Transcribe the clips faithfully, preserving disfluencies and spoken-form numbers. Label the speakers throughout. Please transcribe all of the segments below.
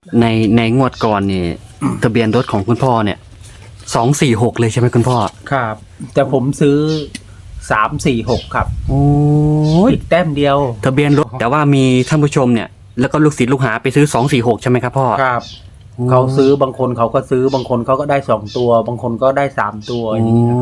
Speaker 1: ในในงวดก่อนเนี่ยทะเบียนรถของคุณพ่อเนี่ยสองสี่หกเลยใช่ไหมคุณพ่อ
Speaker 2: ครับ แต่ผมซื้อสามสี่หกครับ
Speaker 1: โอ้ย
Speaker 2: อีกแต้มเดียว
Speaker 1: ทะเบียนรถแต่ว่ามีท่านผู้ชมเนี่ยแล้วก็ลูกศิษย์ลูกหาไปซื้อสองสี่หกใช่ไหมครับพ่อ
Speaker 2: ครับเขาซื้อบางคนเขาก็ซื้อบางคนเขาก็ได้สองตัวบางคนก็ได้สามตัวอย่างนี้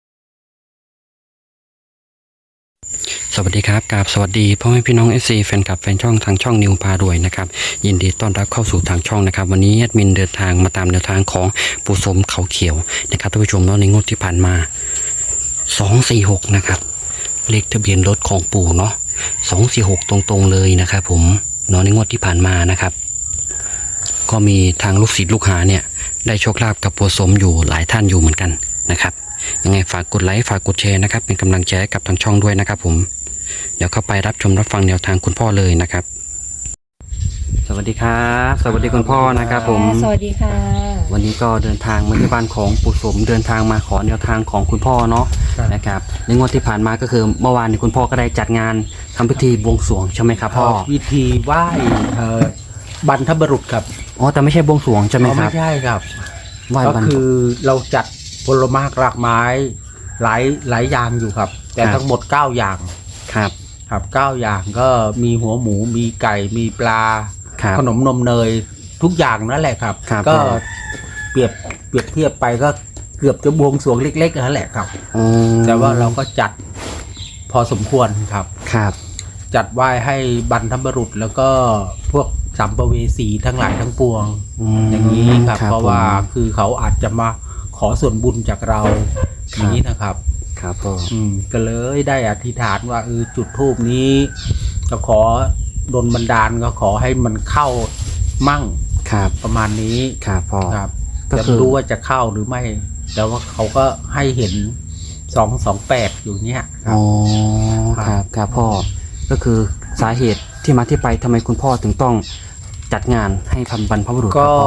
Speaker 1: สวัสดีครับกราบสวัสดีพ่อแม่พี่น้อง เอฟ ซี แฟนคลับแฟนช่องทางช่องนิวพารวยนะครับยินดีต้อนรับเข้าสู่ทางช่องนะครับวันนี้แอดมินเดินทางมาตามแนวทางของปู่สมเขาเขียวนะครับท่านผู้ชมเนาะในงวดที่ผ่านมาสองสี่หกนะครับเลขทะเบียนรถของปู่เนาะสองสี่หกตรงๆเลยนะครับผมเนาะในงวดที่ผ่านมานะครับก็มีทางลูกศิษย์ลูกหาเนี่ยได้โชคลาภกับปู่สมอยู่หลายท่านอยู่เหมือนกันนะครับยังไงฝากกดไลค์ฝากกดแชร์นะครับเป็นกำลังใจให้กับทางช่องด้วยนะครับผมเดี๋ยวเข้าไปรับชมรับฟังแนวทางคุณพ่อเลยนะครับสวัสดีครับสวัสดีคุณพ่อนะครับผม
Speaker 3: สวัสดีค่ะ
Speaker 1: วันนี้ก็เดินทางมาที่บ้านของปู่สมเดินทางมาขอแนวทางของคุณพ่อเนาะนะครับในงวดที่ผ่านมาก็คือเมื่อวานนี้คุณพ่อก็ได้จัดงานทำพิธีบวงสรวงใช่ไหมครับพ่อ
Speaker 2: พิธีไหว้บรรพบุรุษครับ
Speaker 1: อ๋อแต่ไม่ใช่บวงสรวงใช่ไหมครับ
Speaker 2: ไม่ใช่ครับ
Speaker 1: ก็
Speaker 2: คือเราจัดผลไม้รากไม้หลายหลายอย่างอยู่ครับแต่ทั้งหมดเก้าอย่าง
Speaker 1: ครับ
Speaker 2: ครับเก้าอย่างก็มีหัวหมูมีไก่มีปลาขนมนมเนยทุกอย่างนั่นแหละครับก็เปรียบเปรียบเทียบไปก็เกือบจะบวงสรวงเล็กๆนั่นแหละครับแต่ว่าเราก็จัดพอสมควรครับ
Speaker 1: ครับ
Speaker 2: จัดไหว้ให้บรรพบุรุษแล้วก็พวกสัมภเวสีทั้งหลายทั้งปวงอย่างนี้ครับเพราะว่าคือเขาอาจจะมาขอส่วนบุญจากเราอย่างนี้นะครับ
Speaker 1: ครับพ่อ
Speaker 2: อืมก็เลยได้อธิษฐานว่าเออจุดธูปนี้จะขอดลบันดาลก็ขอให้มันเข้ามั่ง
Speaker 1: ครับ
Speaker 2: ประมาณนี้
Speaker 1: ครับพ่อ
Speaker 2: ครับจะรู้ว่าจะเข้าหรือไม่แต่ว่าเขาก็ให้เห็นสองสองแปดอยู่เนี้ย
Speaker 1: อ๋อครับครับพ่อก็คือสาเหตุที่มาที่ไปทำไมคุณพ่อถึงต้องจัดงานให้ทำบรรพบุรุษ
Speaker 2: ก็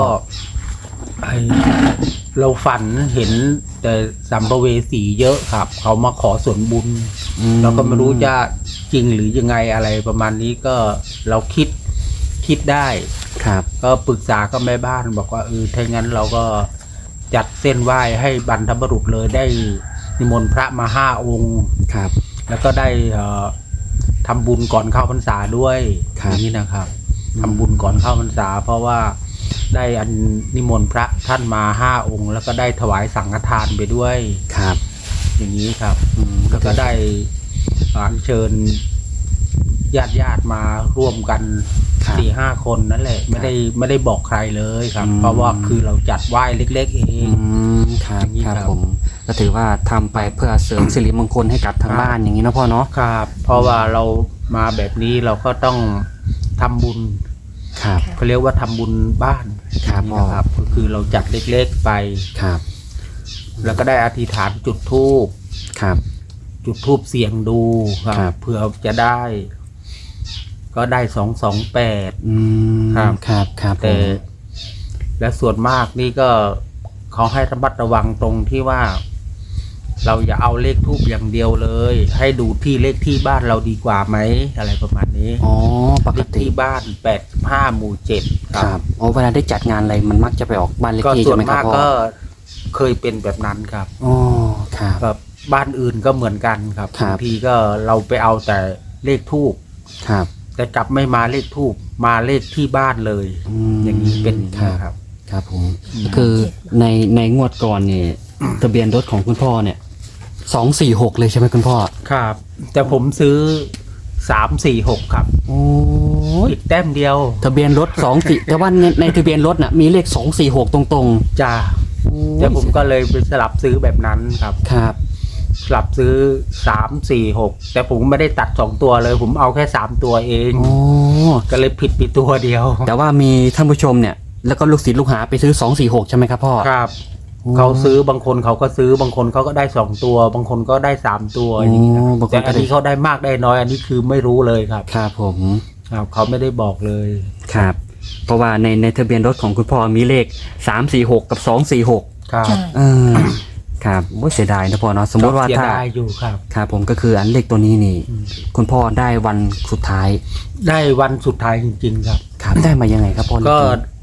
Speaker 2: เราฝันเห็นแต่สัมภเวสีเยอะครับเขามาขอส่วนบุญเราก็ไม่รู้จะจริงหรือยังไงอะไรประมาณนี้ก็เราคิดคิดได้
Speaker 1: ครับ
Speaker 2: ก็ปรึกษากับแม่บ้านบอกว่าเออถ้างั้นเราก็จัดเส้นไหว้ให้บรรพบุรุษเลยได้นิมนต์พระมาห้าองค์
Speaker 1: ครับ
Speaker 2: แล้วก็ได้ทำบุญก่อนเข้าพรรษาด้วยอย่างนี้นะครับทำบุญก่อนเข้าพรรษาเพราะว่าได้อันนิมนต์พระท่านมาห้าองค์แล้วก็ได้ถวายสังฆทานไปด้วย
Speaker 1: ครับ
Speaker 2: อย่างนี้ครับแล้วก็ได้อัญเชิญญาติญาติมาร่วมกันสี่ห้าคนนั่นแหละไม่ได้ไม่ได้บอกใครเลยครับเพราะว่าคือเราจัดไหว้เล็กๆเอง
Speaker 1: ครับครับผมก็ถือว่าทำไปเพื่อเสริมสิริมงคลให้กับทางบ้านอย่างนี้นะพ่อเนาะ
Speaker 2: ครับเพราะว่าเรามาแบบนี้เราก็ต้องทำบุญ
Speaker 1: ครับ
Speaker 2: เขาเรียกว่าทำบุญบ้าน
Speaker 1: ครับ
Speaker 2: นะครับก็คือเราจัดเล็กๆไป
Speaker 1: ครับ
Speaker 2: แล้วก็ได้อธิษฐานจุดธูป
Speaker 1: ครับ
Speaker 2: จุดธูปเสี่ยงดูครับเผื่อจะได้ก็ได้สองสองแปด
Speaker 1: ครับครับครับ
Speaker 2: แต่และส่วนมากนี่ก็เขาให้ระมัดระวังตรงที่ว่าเราอย่าเอาเลขทูปอย่างเดียวเลยให้ดูที่เลขที่บ้านเราดีกว่าไหมอะไรประมาณนี้
Speaker 1: อ๋อปกติ
Speaker 2: ที่บ้านแปดห้าหมู่เจ็ด
Speaker 1: ครับอ๋อเวลาได้จัดงานอะไรมันมักจะไปออกบ้านเลขที่ใช่ไหมครับพ่อ
Speaker 2: ก็เคยเป็นแบบนั้นครับ
Speaker 1: อ๋อครับ
Speaker 2: แบบบ้านอื่นก็เหมือนกันครับบางทีก็เราไปเอาแต่เลขทูป
Speaker 1: ครับ
Speaker 2: แต่กลับไม่มาเลขทูปมาเลขที่บ้านเลยอย่างนี้เป็นครับ
Speaker 1: ครับผมคือในในงวดก่อนนี่ทะเบียนรถของคุณพ่อเนี่ยสองสี่หกเลยใช่ไหมคุณพ่อ
Speaker 2: ครับแต่ผมซื้อสามสี่หกครับ
Speaker 1: โอ้
Speaker 2: อีกแต้มเดียว
Speaker 1: ทะเบียนรถสองสี่แต่ว่าในในทะเบียนรถน่ะมีเลขสองสี่หกตรงๆ
Speaker 2: จ้าแต่ผมก็เลยไปสลับซื้อแบบนั้นครับ
Speaker 1: ครับ
Speaker 2: สลับซื้อสามสี่หกแต่ผมไม่ได้ตัดสองตัวเลยผมเอาแค่สามตัวเอง
Speaker 1: โอ้
Speaker 2: ก็เลยผิดไปตัวเดียว
Speaker 1: แต่ว่ามีท่านผู้ชมเนี่ยแล้วก็ลูกศิษย์ลูกหาไปซื้อสองสี่หกใช่ไหมครับพ่อ
Speaker 2: ครับเขาซื้อบางคนเขาก็ซื้อบางคนเขาก็ได้สองตัวบางคนก็ได้สามตัวอย่างนี้แต่อันนี้เขาได้มากได้น้อยอันนี้คือไม่รู้เลยครับ
Speaker 1: ครับผม
Speaker 2: ครับเขาไม่ได้บอกเลย
Speaker 1: ครับเพราะว่าในในทะเบียนรถของคุณพ่อมีเลขสามสี่หกกับสองสี่หก
Speaker 2: ครับ
Speaker 1: เออครับโอ้เสียดายนะพ่อเนาะสมมติว่าถ้า
Speaker 2: อยู่ครับ
Speaker 1: ครับผมก็คืออันเลขตัวนี้นี่คุณพ่อได้วันสุดท้าย
Speaker 2: ได้วันสุดท้ายจริงๆครับ
Speaker 1: ครับได้มายังไงครับพ่อ
Speaker 2: ก็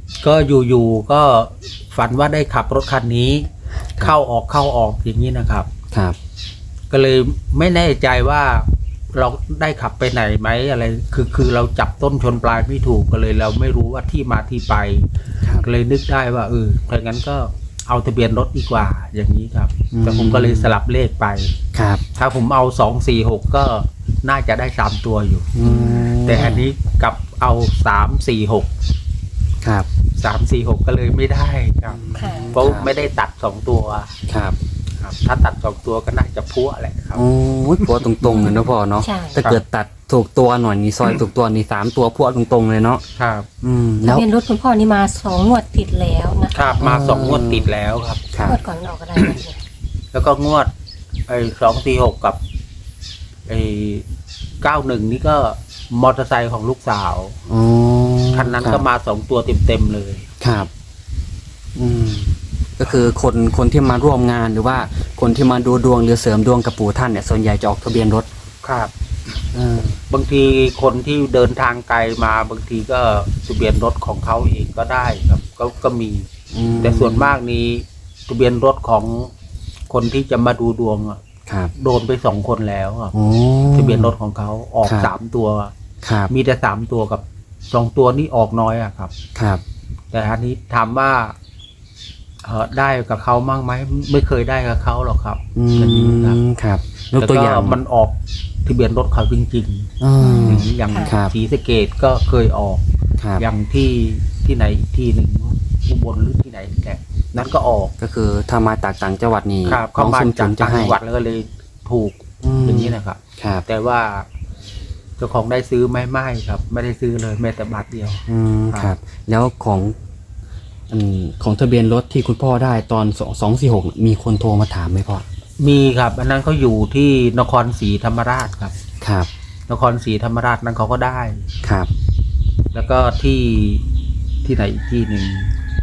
Speaker 2: ก็อยู่ๆก็ฝันว่าได้ขับรถคันนี้ เข้าออกเข้าออกอย่างนี้นะครับ
Speaker 1: ครับ
Speaker 2: ก็เลยไม่แน่ใจว่าเราได้ขับไปไหนไหมอะไรคือคือเราจับต้นชนปลายไม่ถูกก็เลยเราไม่รู้ว่าที่มาที่ไป
Speaker 1: ครับ
Speaker 2: ก็เลยนึกได้ว่าเออถ้างั้นก็เอาทะเบียนรถดีกว่าอย่างนี้ครับ แต่ผมก็เลยสลับเลขไป
Speaker 1: ครับ
Speaker 2: ถ้าผมเอาสองสี่หกก็น่าจะได้สามตัวอยู่
Speaker 1: อืม
Speaker 2: แต่อันนี้กลับเอาสามสี่หก
Speaker 1: ครับ
Speaker 2: สามสี่หกก็เลยไม่ได้ครับ
Speaker 3: ค่ะ
Speaker 2: เพราะไม่ได้ตัดสองตัว
Speaker 1: ครับ
Speaker 2: ครับ ถ้าตัดสองตัวก็น่าจะพัวแหละครับ
Speaker 1: โอ้ยพวตรงๆเลยนะพ่อเนาะ
Speaker 3: ใช่
Speaker 1: ถ้าเกิดตัดถูกตัวหน่อยนี่ซอยถูกตัวนี่สามตัวพวตรงๆเลยเนาะ
Speaker 2: ครับ
Speaker 1: อืม
Speaker 3: ทะ
Speaker 1: แล้ว
Speaker 3: เบียนรถคุณพ่อนี่มาสองงวดติดแล้วนะคะ
Speaker 2: ครับมาสองงวดติดแล้วครับ
Speaker 1: ครับ
Speaker 3: งวดก่อนออกอะไรนะเนี่ย
Speaker 2: แล้วก็งวดไอ้สองสี่หกกับไอ้เก้าหนึ่งนี่ก็มอเตอร์ไซค์ของลูกสาว
Speaker 1: อ๋อ
Speaker 2: คันนั้น
Speaker 1: รับ
Speaker 2: ก็มาสองตัวเต็มๆเลย
Speaker 1: ครับ อืม ก็คือคนคนที่มาร่วมงานหรือว่าคนที่มาดูดวงหรือเสริมดวงกับปู่ท่านเนี่ยส่วนใหญ่จะออกทะเบียนรถ
Speaker 2: ครับ
Speaker 1: เออบ
Speaker 2: างทีคนที่เดินทางไกลมาบางทีก็ทะเบียนรถของเขาเองก็ได้ครับ ก็ก็มี
Speaker 1: อืม
Speaker 2: แต่ส่วนมากนี้ทะเบียนรถของคนที่จะมาดูดวงอะ
Speaker 1: ครับ
Speaker 2: โดนไปสองคนแล้วครับ
Speaker 1: โอ้
Speaker 2: ทะเบียนรถของเขาออก
Speaker 1: ครับ
Speaker 2: สามตัว
Speaker 1: ครับ
Speaker 2: มีแต่สามตัวกับสองตัวนี่ออกน้อยอะครับ
Speaker 1: ครับ
Speaker 2: แต่อันนี้ถามว่าเออได้กับเขามั่งไหมไม่เคยได้กับเขาหรอกครับ
Speaker 1: อื
Speaker 2: อย่างนี้ครับ
Speaker 1: มครับยก
Speaker 2: แล้ว
Speaker 1: ตัว
Speaker 2: ก็
Speaker 1: อย่าง
Speaker 2: มันออกทะเบียนรถเขาจริง
Speaker 1: อื
Speaker 2: ๆ
Speaker 1: ม
Speaker 2: อย่างนี้อย่าง
Speaker 1: ครับ
Speaker 2: ศรีสะเกดก็เคยออก
Speaker 1: ครับ
Speaker 2: อย่างที่ที่ไหนอีกที่หนึ่งอุบลหรือที่ไหนแหละนั้นก็ออก
Speaker 1: ก็คือถ้ามาจากต่างจังหวัดนี่
Speaker 2: ครับเขามา
Speaker 1: น้อง
Speaker 2: จาก
Speaker 1: ซุนๆจะ
Speaker 2: ต่าง
Speaker 1: ให้
Speaker 2: จังหวัดแล้วก็เลยถูก
Speaker 1: ม
Speaker 2: อย่างนี้นะครับ
Speaker 1: ครับ
Speaker 2: แต่ว่าเจ้าของได้ซื้อไหมไม่ครับ ไม่ได้ซื้อเลยแม้แต่บาทเดียว
Speaker 1: อืม
Speaker 2: ครับ
Speaker 1: ครับ แล้วของอืมของทะเบียนรถที่คุณพ่อได้ตอนสองสองสี่หกมีคนโทรมาถามไหมพ่อ
Speaker 2: มีครับ อันนั้นเขาอยู่ที่นครศรีธรรมราชครับ
Speaker 1: ครับ
Speaker 2: นครศรีธรรมราชนั้นเขาก็ได้
Speaker 1: ครับ
Speaker 2: แล้วก็ที่ที่ไหนอีกที่หนึ่ง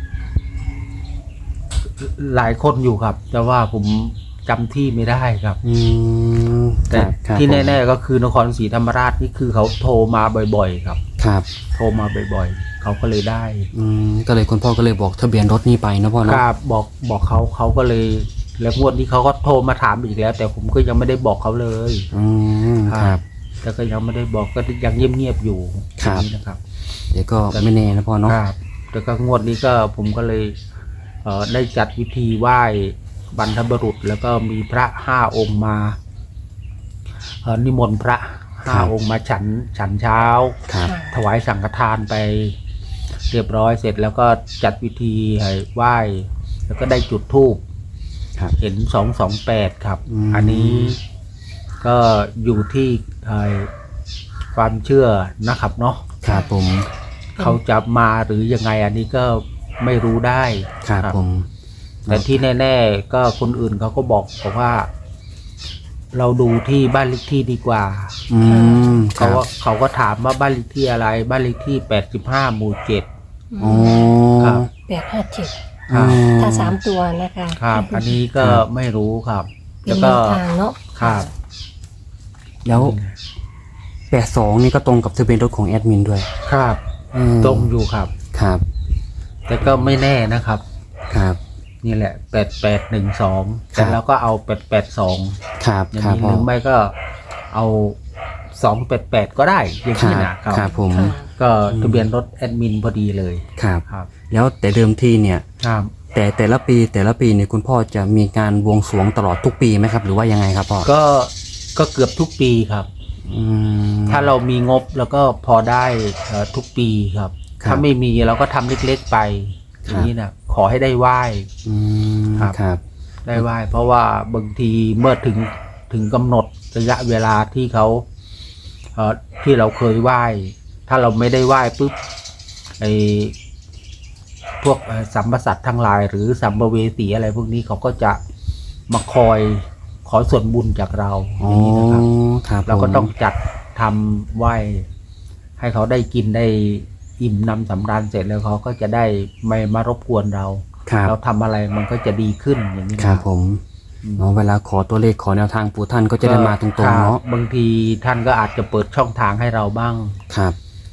Speaker 2: หลายคนอยู่ครับ แต่ว่าผมจำที่ไม่ได้ครับ
Speaker 1: อืม
Speaker 2: แต่
Speaker 1: ครับครับ
Speaker 2: ที่
Speaker 1: ผม
Speaker 2: แน่ๆก็คือนครศรีธรรมราชนี่คือเขาโทรมาบ่อยๆครับ
Speaker 1: ครับ
Speaker 2: โทรมาบ่อยๆ เขาก็เลยได้
Speaker 1: อืมก็เลยคุณพ่อก็เลยบอกทะเบียนรถนี่ไปนะพ่อ
Speaker 2: ค
Speaker 1: เนาะ
Speaker 2: รับบอกบอกเขาเขาก็เลย แล้วงวดนี้เขาก็โทรมาถามอีกแล้ว แต่ผมก็ยังไม่ได้บอกเขาเลย
Speaker 1: อืมครับ
Speaker 2: แต่ก็ยังไม่ได้บอกก็ยังเงียบๆอยู่
Speaker 1: ครับ
Speaker 2: อย่างนี้นะครับ
Speaker 1: เดี๋ยวก็ไม่แน่นะพ่อเนาะ
Speaker 2: ครับแต่ก็งวดนี้ก็ผมก็เลย เอ่อได้จัดพิธีไหว้บรรพบุรุษ แล้วก็มีพระห้าองค์มาเอ่อนิมนต์พระห้าองค์มาฉันฉันเช้า
Speaker 1: ครับ
Speaker 3: ค่ะ
Speaker 2: ถวายสังฆทานไปเรียบร้อยเสร็จแล้วก็จัดพิธีให้ไหว้ แล้วก็ได้จุดธูป
Speaker 1: ครับ
Speaker 2: เห็นสองสองแปดครับ
Speaker 1: อืม
Speaker 2: อันนี้ก็อยู่ที่เอ่อความเชื่อนะครับเนาะ
Speaker 1: ครับผม
Speaker 2: เขาจะมาหรือยังไงอันนี้ก็ไม่รู้ได้
Speaker 1: ครับผม
Speaker 2: แต่ที่แน่ๆก็คนอื่นเขาก็บอกบอกว่า เราดูที่บ้านเลขที่ดีกว่า
Speaker 1: อืมค
Speaker 2: เขา
Speaker 1: รับ
Speaker 2: ว่าเขาก็ถามว่าบ้านเลขที่อะไร บ้านเลขที่แปดสิบห้าหมู่เจ็ด
Speaker 1: อ๋อ
Speaker 2: ครับ
Speaker 3: แปดห้าเจ็ด
Speaker 2: ครับ
Speaker 3: ถ้าสามตัวนะคะ
Speaker 2: ครับ อันนี้ก็ไม่รู้ครับ
Speaker 3: เป็
Speaker 2: แล้
Speaker 3: น
Speaker 2: ว
Speaker 3: แน
Speaker 2: ก็
Speaker 3: วทางเนาะ
Speaker 2: ครับ
Speaker 1: แล้วแปดสองนี่ก็ตรงกับทะเบียนรถของแอดมินด้วย
Speaker 2: ครับ
Speaker 1: อืม
Speaker 2: ตรงอยู่ครับ
Speaker 1: ครับ
Speaker 2: แต่ก็ไม่แน่นะครับ
Speaker 1: ครับ
Speaker 2: นี่แหละแปดแปดหนึ่งสอง
Speaker 1: ครั
Speaker 2: แต่
Speaker 1: บ
Speaker 2: แล้วก็เอาแปดแปดสอง
Speaker 1: ครับ
Speaker 2: อย่าง
Speaker 1: ครับ
Speaker 2: นี้
Speaker 1: พ่
Speaker 2: ห
Speaker 1: อ
Speaker 2: รือไม่ก็เอาสองแปดแปดก็ได้อย่าง
Speaker 1: ครั
Speaker 2: นี้
Speaker 1: บ
Speaker 2: นะครับ
Speaker 1: ครับผม
Speaker 3: ค่ะ
Speaker 2: ก็ทะเบียนรถแอดมินพอดีเลย
Speaker 1: ครับ
Speaker 2: ครับ
Speaker 1: แล้วแต่เดิมทีเนี่ย
Speaker 2: ครับ
Speaker 1: แต่แต่ละปีแต่ละปีเนี่ยคุณพ่อจะมีการบวงสรวงตลอดทุกปีไหมครับ หรือว่ายังไงครับพ่อ
Speaker 2: ก็ก็เกือบทุกปีครับ
Speaker 1: อืม
Speaker 2: ถ้าเรามีงบแล้วก็พอได้เอ่อทุกปีครับ
Speaker 1: ครับ
Speaker 2: ถ้าไม่มีเราก็ทำเล็กๆไปอ
Speaker 1: ครับ
Speaker 2: ย่างนี้นะขอให้ได้ไหว้
Speaker 1: อืม
Speaker 2: ครับ
Speaker 1: ครับ
Speaker 2: ได้ไหว้ เพราะว่าบางทีเมื่อถึงถึงกำหนดระยะเวลาที่เขาเอ่อที่เราเคยไหว้ ถ้าเราไม่ได้ไหว้ปุ๊บไอพวกเอ่อสัมปสัตว์ทั้งหลาย หรือสัมภเวสีอะไรพวกนี้เขาก็จะมาคอยขอส่วนบุญจากเราอ
Speaker 1: อ๋อย่าง
Speaker 2: นี้นะครับ
Speaker 1: ครับ
Speaker 2: เราก็
Speaker 1: ผม
Speaker 2: ต้องจัดทำไหว้ ให้เขาได้กินได้อิ่มนำสำราญเสร็จแล้วเขาก็จะได้ไม่มารบกวนเรา
Speaker 1: ครับ
Speaker 2: เราทำอะไรมันก็จะดีขึ้นอย่างนี้
Speaker 1: ค
Speaker 2: นะ
Speaker 1: รับผมเนาะเวลาขอตัวเลขขอแนวทางปู่ท่านก็จะได้มาตรงๆเนาะ
Speaker 2: บางทีท่านก็อาจจะเปิดช่องทางให้เราบ้าง
Speaker 1: ครับ
Speaker 2: อ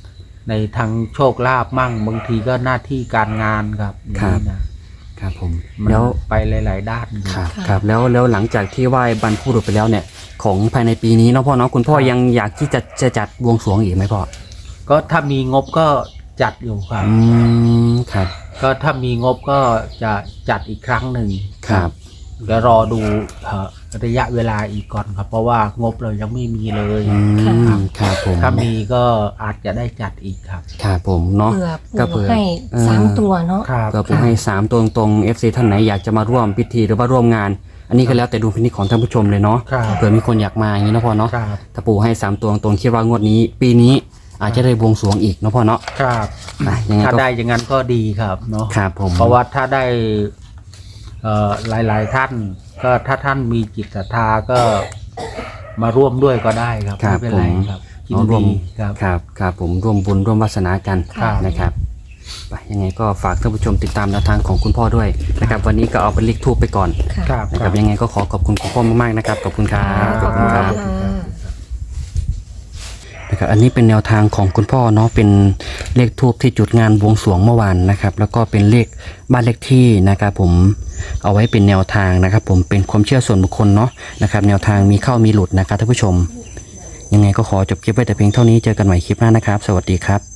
Speaker 2: ในทางโชคลาภมั่งบางทีก็หน้าที่การงานครับอย่างนี้นะครับ
Speaker 1: ผม
Speaker 2: มัน
Speaker 1: แล้ว
Speaker 2: ไปหลาย ๆ ด้าน
Speaker 1: ครับ
Speaker 3: ค่ะ
Speaker 1: ครับแล้วแล้วหลังจากที่ไหว้บรรพบุรุษไปแล้วเนี่ยของภายในปีนี้เนาะพ่อเนาะคุณพ่อยังอยากที่จะจะจัดบวงสรวงอีกไหมพ่อ
Speaker 2: ก็ถ้ามีงบก็จัดอยู่ครับ
Speaker 1: อืมครับ
Speaker 2: ก็ถ้ามีงบก็จะจัดอีกครั้งหนึ่ง
Speaker 1: ครับ
Speaker 2: เดี๋ยวรอดูเอ่อระยะเวลาอีกก่อนครับ เพราะว่างบเรายังไม่มีเลย
Speaker 1: อืมครับผม
Speaker 2: ถ้ามีก็อาจจะได้จัดอีกครับ
Speaker 1: ครับผมเนาะ
Speaker 3: เผื่อ
Speaker 1: ก็
Speaker 3: ปู่
Speaker 1: เผื่อ
Speaker 3: ให้
Speaker 1: เออ
Speaker 3: สามตัวเนาะ
Speaker 2: ครับ
Speaker 1: ก็ผมให้สามตัวตรงๆ เอฟ ซี ท่านไหนอยากจะมาร่วมพิธีหรือว่าร่วมงาน อันนี้ก็แล้วแต่ดูพินิจของท่านผู้ชมเลยเนาะ
Speaker 2: ครับ
Speaker 1: เผื่อมีคนอยากมาอย่างนี้เนาะพ่อเนาะ
Speaker 2: ครับ
Speaker 1: ถ้าปู่ให้สามตัวตรงๆคิดว่างวดนี้ ปีนี้อาจจะได้บวงสรวงอีกเนาะพ่อเนาะ
Speaker 2: ครับ
Speaker 1: อ่ะยังไง
Speaker 2: ถ้า
Speaker 1: ก็
Speaker 2: ได้อย่างนั้นก็ดีครับเนาะ
Speaker 1: ครับผม
Speaker 2: เพราะว่าถ้าได้เอ่อหลาย ๆ ท่าน ก็ถ้าท่านมีจิตศรัทธาก็มาร่วมด้วยก็ได้ครับ
Speaker 1: ครั
Speaker 2: ไม่
Speaker 1: บ
Speaker 2: เป็น
Speaker 1: ผ
Speaker 2: ไร
Speaker 1: ม
Speaker 2: ครับยิน
Speaker 1: เอาร่วม
Speaker 2: ดีครับ
Speaker 1: ครับครับผมร่วมบุญร่วมวาสนากัน
Speaker 3: ครับ
Speaker 1: นะครับไปยังไงก็ฝากท่านผู้ชมติดตามแนวทางของคุณพ่อด้วยนะครับวันนี้ก็เอาเป็นเลขทูบไปก่อน
Speaker 3: ค่ะ
Speaker 2: ครับ
Speaker 1: นะครับยังไงก็ขอขอบคุณคุณพ่อมากๆนะครับขอบคุณครับ
Speaker 3: ขอบคุณ
Speaker 1: ค
Speaker 3: ค่ะ
Speaker 1: รับนะครับอันนี้เป็นแนวทางของคุณพ่อเนาะเป็นเลขทูบที่จุดงานบวงสรวงเมื่อวานนะครับแล้วก็เป็นเลขบ้านเลขที่นะครับผมเอาไว้เป็นแนวทางนะครับผมเป็นความเชื่อส่วนบุคคลเนาะนะครับแนวทางมีเข้ามีหลุดนะครับท่านผู้ชมยังไงก็ขอจบคลิปไว้แต่เพียงเท่านี้เจอกันใหม่คลิปหน้านะครับ สวัสดีครับ